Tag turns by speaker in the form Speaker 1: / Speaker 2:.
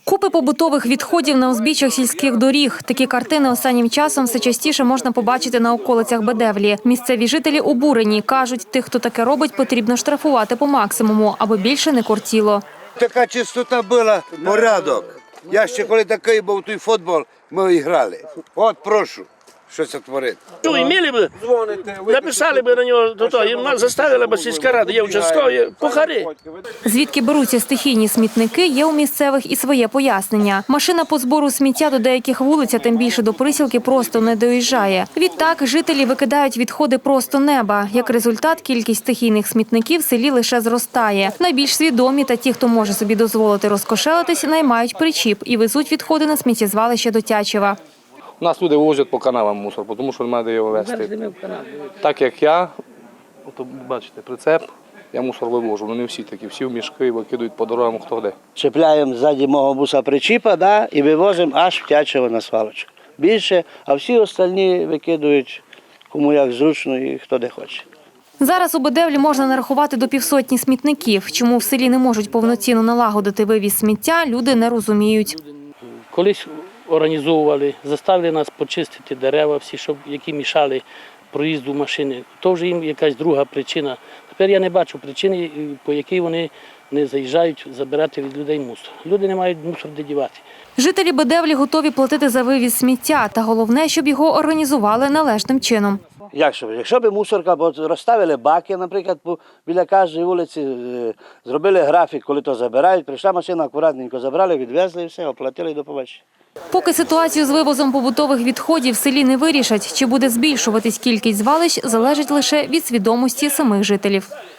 Speaker 1: Купи побутових відходів на узбіччях сільських доріг. Такі картини останнім часом все частіше можна побачити на околицях Бедевлі. Місцеві жителі обурені. Кажуть, тих, хто таке робить, потрібно штрафувати по максимуму, аби більше не кортіло.
Speaker 2: Така чистота була, порядок. Я ще коли такий був той футбол, ми і грали. От прошу, що це творить.
Speaker 3: Ну, імели б, написали б на нього, і заставили б сільська рада, є участкові, пухари.
Speaker 1: Звідки беруться стихійні смітники, є у місцевих і своє пояснення. Машина по збору сміття до деяких вулиць, а тим більше до Присілки, просто не доїжджає. Відтак, жителі викидають відходи просто неба. Як результат, кількість стихійних смітників в селі лише зростає. Найбільш свідомі та ті, хто може собі дозволити розкошелитись, наймають причіп і везуть відходи на сміттєзвалище до Тячева.
Speaker 4: У нас люди возять по канавам мусор, тому що немає де його везти. Так як я, от бачите, прицеп, я мусор вивожу. Ну не всі такі, всі в мішки викидують по дорогам, хто де.
Speaker 5: Чіпляємо ззаді мого буса причіпа, і вивозимо аж в Тячево на свалочку. Більше, а всі остальні викидують кому як зручно і хто де хоче.
Speaker 1: Зараз у Бедевлі можна нарахувати до 500 смітників. Чому в селі не можуть повноцінно налагодити вивіз сміття, люди не розуміють.
Speaker 3: Колись організовували, заставили нас почистити дерева всі, які мішали проїзду машини. То вже їм якась друга причина. Тепер я не бачу причини, по якій вони не заїжджають забирати від людей мусор. Люди не мають мусор де дівати.
Speaker 1: Жителі Бедевлі готові платити за вивіз сміття, та головне, щоб його організували належним чином.
Speaker 5: Якщо б мусорка, бо розставили баки, наприклад, біля кожної вулиці, зробили графік, коли то забирають, прийшла машина, акуратненько забрали, відвезли і все, оплатили і до побачення.
Speaker 1: Поки ситуацію з вивозом побутових відходів в селі не вирішать, чи буде збільшуватись кількість звалищ, залежить лише від свідомості самих жителів.